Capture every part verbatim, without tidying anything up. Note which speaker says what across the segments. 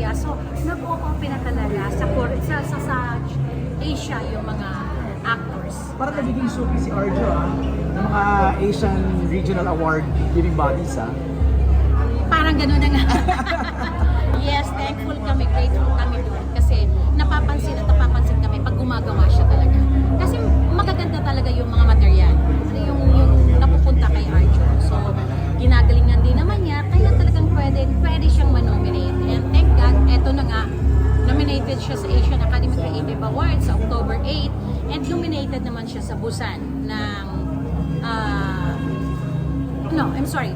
Speaker 1: talaga. So, nag-o-open na talaga sa, Kore- sa, sa, sa Asia yung mga actors.
Speaker 2: Parang nagiging suki si Arjo ah, ng mga Asian Regional Award giving bodies ah.
Speaker 1: Parang gano'n na nga. Yes, thankful kami, grateful kami doon. Kasi napapansin at napapansin kami pag gumagawa siya talaga. Kasi magaganda talaga yung mga material. Ano yung, yung napupunta kay Arjo. So, ginagalingan din naman niya. Kaya talagang pwede, pwede siyang manominate. And thank God, eto na nga, nominated siya sa Asian Academy Creative Awards sa October eighth. And nominated naman siya sa Busan ng... ah no, I'm sorry.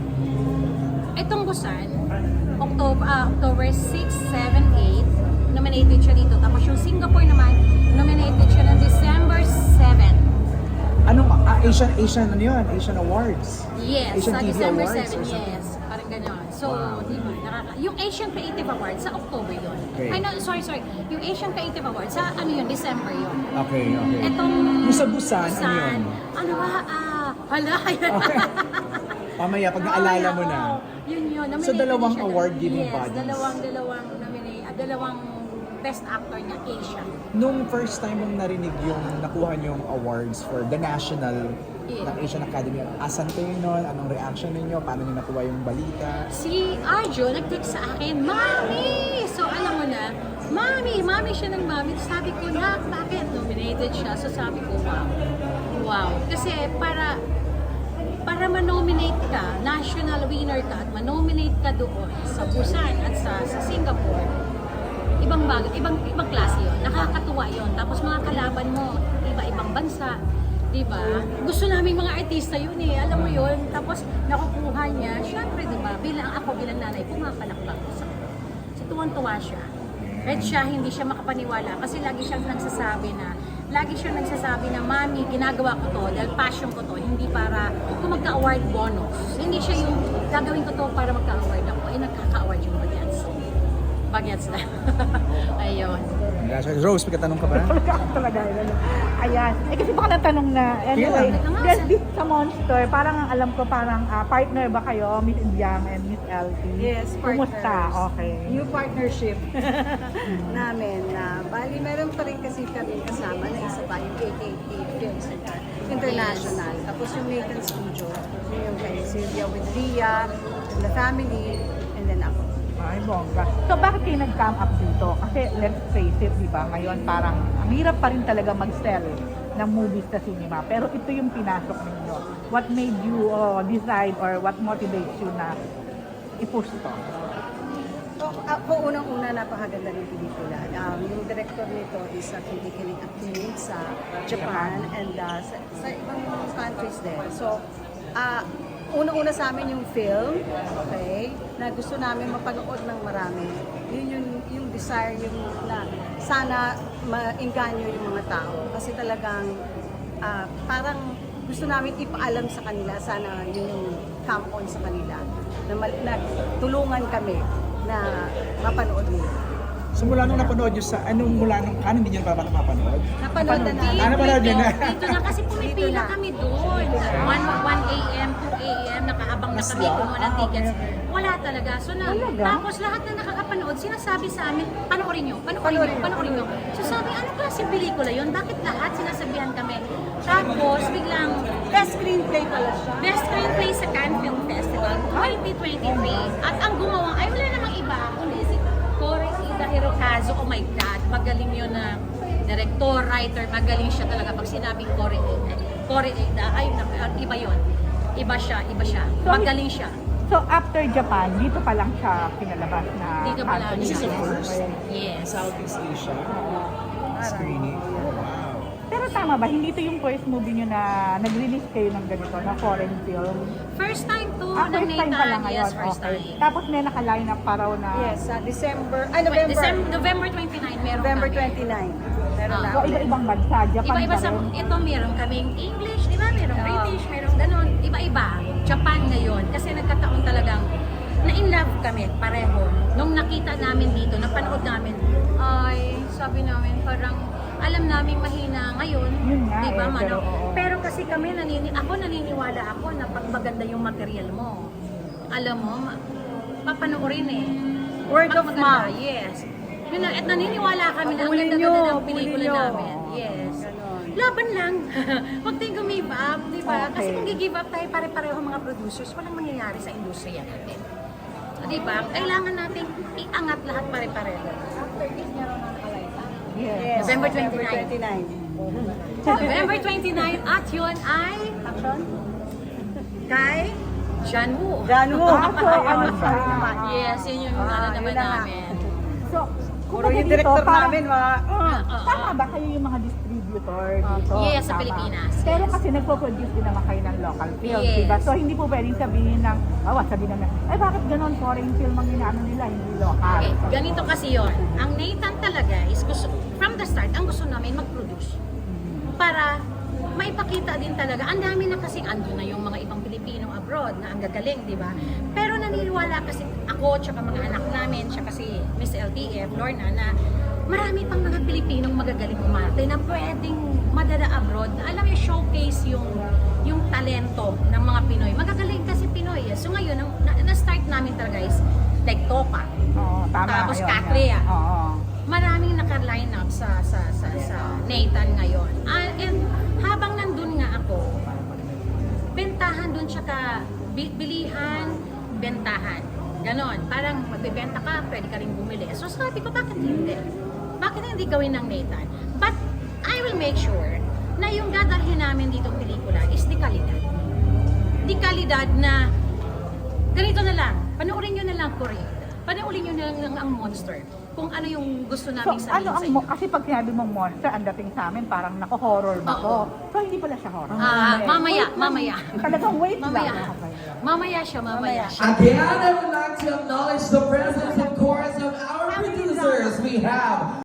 Speaker 1: Itong Busan, October, uh, October six, seven, eight, nominated siya dito. Tapos yung Singapore naman, nominated siya ng December seventh.
Speaker 2: Anong ah, Asian Asian ano yun? Asian Awards?
Speaker 1: Yes,
Speaker 2: Asian
Speaker 1: sa
Speaker 2: T V
Speaker 1: December
Speaker 2: Awards
Speaker 1: seventh,
Speaker 2: or something?
Speaker 1: yes. Parang gano'n. So,
Speaker 2: Wow.
Speaker 1: di ba, nakaka- yung Asian Creative Awards sa October yun.
Speaker 2: Okay.
Speaker 1: Ay, no, sorry, sorry. Yung Asian Creative Awards sa ano yun, December yun.
Speaker 2: Okay, okay.
Speaker 1: Etong
Speaker 2: Yung sa Busan, ano yun?
Speaker 1: ano ba, ah, hala,
Speaker 2: Okay. Pamaya, pag naalala mo na.
Speaker 1: Oo, yun yun.
Speaker 2: So,
Speaker 1: Nominated
Speaker 2: dalawang
Speaker 1: siya ng-
Speaker 2: award-giving
Speaker 1: yes,
Speaker 2: bodies.
Speaker 1: dalawang, dalawang, nominate, ah, dalawang best actor niya, Asia.
Speaker 2: Nung first time mong narinig yung nakuha niyong awards for the national
Speaker 1: Yeah.
Speaker 2: ng Asian Academy, asan kayo nun? Anong reaction ninyo? Paano niyo nakuha yung balita?
Speaker 1: Si Arjo nag-text sa akin, Mami! So alam mo na, Mami! Mami siya ng Mami. Sabi ko na, bakit nominated siya? So sabi ko, wow. Wow. Kasi para para manominate ka, national winner ka, at manominate ka doon sa Busan at sa, sa Singapore, ibang bag, ibang ibang klase yun. Nakakatuwa yun. Tapos mga kalaban mo, iba-ibang bansa. Diba? Gusto namin mga artista yun eh. Alam mo yun. Tapos nakukuha niya. Siyempre, diba? Bilang ako, bilang nanay, pumapalakpak ko sa So, tuwan-tuwa siya. Kahit siya, hindi siya makapaniwala. Kasi lagi siyang nagsasabi na, lagi siyang nagsasabi na, Mami, ginagawa ko to dahil passion ko to. Hindi para kung magka-award bonus. Hindi siya yung gagawin ko to para magka-award ako. Eh, nagkaka-award yung bagets. Bagets na. Ayun.
Speaker 2: Congratulations. Rose, may katanong ka ba?
Speaker 3: Talaga, ano. Ayan. Eh kasi baka natanong na, anyway,
Speaker 1: Yeah.
Speaker 3: there's this sa Monster, parang ang alam ko parang ah, partner ba kayo, Miss Indiang and Miss L T?
Speaker 4: Yes,
Speaker 3: Kumusta?
Speaker 4: partners.
Speaker 3: Okay.
Speaker 4: New partnership namin na bali meron pa rin kasi kami kasama na isa pa yung A K T Film Center International. Tapos yung Nathan Studio, yun yung kay Sylvia with Ria, and the family, and then ako.
Speaker 3: Ay, bongga. So, bakit kayo nag-come up dito? Kasi, let's face it, di ba? Ngayon, parang, ang hirap pa rin talaga mag-sell ng movies sa cinema. Pero ito yung pinasok ninyo. What made you uh, decide or what motivates you na i-push to?
Speaker 4: So, ako unang-una napakaganda ng pelikula. Um, yung director nito is uh, kinikilig acting sa Japan and uh, sa, sa ibang countries din. So, uh, unang-una sa amin yung film, okay, na gusto namin mapanood ng marami. Yun yung, yung desire, yung na sana maengganyo yung mga tao. Kasi talagang ah, parang gusto namin ipaalam sa kanila, sana yun yung come on sa kanila. Na, mal- na tulungan kami na mapanood nila.
Speaker 2: So mula nung napanood nyo sa, anong mula nung, ano hindi nyo pa ba napapanood?
Speaker 4: Napanood na namin.
Speaker 2: Ah, napanood nyo na?
Speaker 1: Dito na kasi pumipila kami doon. one a m, two a m, nakaabang na kami kumuha ng tickets. Wala talaga. So na,
Speaker 3: Talaga?
Speaker 1: tapos lahat na nakakapanood, sinasabi sa amin, panoorin nyo, panoorin nyo, panoorin nyo. So sabi, ano klaseng pelikula yun? Bakit lahat sinasabihan kami? Tapos biglang,
Speaker 4: Best screenplay pala siya.
Speaker 1: Best Screenplay sa Cannes Film Festival twenty twenty-three. At ang gumawa, ay wala namang iba, kundi si Kore Ida Hirokazu. Oh my God, magaling yun na director, writer, magaling siya talaga. Pag sinabing Kore Ida, Kore Ida, ay nak- iba yun. Iba siya, iba siya. Magaling siya.
Speaker 3: So, after Japan, dito pa lang siya pinalabas na
Speaker 1: Dito pa lang
Speaker 3: country.
Speaker 2: This is the first
Speaker 1: Yes.
Speaker 2: Southeast Asia screening. Wow.
Speaker 3: Pero tama ba, hindi ito yung first movie nyo na nag-release kayo ng ganito, na foreign film?
Speaker 1: First time to
Speaker 3: Ah,
Speaker 1: ng
Speaker 3: first time pa lang
Speaker 1: Nathan.
Speaker 3: ngayon.
Speaker 1: Yes, first
Speaker 3: Okay.
Speaker 1: time.
Speaker 3: Tapos may nakaline up pa raw na...
Speaker 4: Yes, sa December, ah, November.
Speaker 1: December, November twenty-nine, meron
Speaker 4: November
Speaker 1: kami.
Speaker 4: twenty-nine. Meron
Speaker 1: Ah.
Speaker 4: na.
Speaker 3: So, iba-ibang bansa, Japan
Speaker 1: Iba-iba
Speaker 3: pa
Speaker 1: sa,
Speaker 3: rin.
Speaker 1: ito meron kaming English, di ba? Merong
Speaker 4: Oo.
Speaker 1: British, merong ganun. Iba-iba. Japan ngayon. Kasi nagkataon talagang na-in love kami, pareho. Nung nakita namin dito, napanood namin, ay, sabi namin, parang alam namin mahina ngayon.
Speaker 3: Yun nga
Speaker 1: Di ba,
Speaker 3: eh,
Speaker 1: Mano?
Speaker 3: pero oo.
Speaker 1: Pero kasi kami, nanini ako naniniwala ako na pag maganda yung material mo, alam mo, ma- papanoorin eh.
Speaker 4: Word
Speaker 1: Pag
Speaker 4: of
Speaker 1: maganda,
Speaker 4: mouth.
Speaker 1: Yes. Yun lang, at naniniwala kami na ang
Speaker 4: Pulin
Speaker 1: ganda
Speaker 4: nyo,
Speaker 1: na ng
Speaker 4: pulin
Speaker 1: pelikula
Speaker 4: nyo.
Speaker 1: namin. Yes.
Speaker 4: Ganon.
Speaker 1: Laban lang. Huwag tayong give up, di ba?
Speaker 3: Okay.
Speaker 1: Kasi kung give up tayo pare-pareho mga producers, walang mangyayari sa industriya natin. Di ba? Kailangan natin iangat lahat pare-pareho.
Speaker 3: Yes.
Speaker 4: Yes,
Speaker 1: November twenty-nine.
Speaker 4: twenty-nine.
Speaker 1: November twenty-nine at yun ay
Speaker 4: Action?
Speaker 1: kay John Woo.
Speaker 4: John Woo.
Speaker 3: Ah, so, ano siya?
Speaker 1: Yes, yun yung
Speaker 4: Ah,
Speaker 1: ano
Speaker 4: yun
Speaker 1: naman
Speaker 4: na nga.
Speaker 1: namin.
Speaker 3: So,
Speaker 4: Puro
Speaker 3: kumbaga
Speaker 4: yung
Speaker 3: dito,
Speaker 4: director
Speaker 3: parang-
Speaker 4: namin, mga...
Speaker 1: Ah, ah,
Speaker 3: Tama
Speaker 1: ah.
Speaker 3: ba kayo yung mga distributor dito?
Speaker 1: Yes, sa
Speaker 3: Tama.
Speaker 1: Pilipinas.
Speaker 3: Pero
Speaker 1: Yes.
Speaker 3: kasi nagpo-produce din naman kayo ng local films,
Speaker 1: Yes.
Speaker 3: diba? So hindi po pwedeng sabihin ng, awa, sabihin namin, ay bakit ganon foreign film ang inaano nila, hindi local.
Speaker 1: Okay, ganito kasi yon. Ang Nathan talaga is gusto, from the start, ang gusto namin mag-produce. Para maipakita din talaga, ang dami na kasi ando na yung mga ibang Pilipino abroad na ang gagaling, di ba? Pero naniniwala kasi ako, tsaka mga anak namin, tsaka si Miss L T F, Lorna, na marami pang mga Pilipinong magagaling umarte na pwedeng madala abroad. Alam mo, showcase yung yung talento ng mga Pinoy. Magagaling kasi Pinoy. eh. So ngayon, ang, na, na-start namin talaga is like Topa.
Speaker 3: Oo, tama.
Speaker 1: Tapos
Speaker 3: ayun,
Speaker 1: Katria.
Speaker 3: yan. Oo.
Speaker 1: Maraming naka-line up sa sa sa sa Nathan ngayon. Ah, and habang nandun nga ako, bentahan dun siya ka bi- bilihan, bentahan. Ganon. Parang magbebenta ka, pwede ka rin bumili. So sabi ko, bakit hindi? Bakit hindi gawin ng Nathan? But I will make sure na yung dadalhin namin dito pelikula is di kalidad. Di kalidad na ganito na lang, panoorin nyo na lang Korea. Panoorin nyo na lang ang Monster. Kung ano yung gusto
Speaker 3: So,
Speaker 1: namin sabihin
Speaker 3: ano
Speaker 1: sa
Speaker 3: ang
Speaker 1: inyo.
Speaker 3: mo, kasi pag sinabi mong monster, ang dating sa amin, parang nako-horror ba
Speaker 1: Oo.
Speaker 3: to? So, hindi pala siya horror.
Speaker 1: Ah,
Speaker 3: Hindi.
Speaker 1: mamaya,
Speaker 3: Wait,
Speaker 1: mamaya.
Speaker 3: Talagang wait
Speaker 1: Mamaya.
Speaker 3: lang. Okay.
Speaker 1: Mamaya siya, mamaya siya.
Speaker 5: Again, I would like to acknowledge the presence and chorus of our producers. We have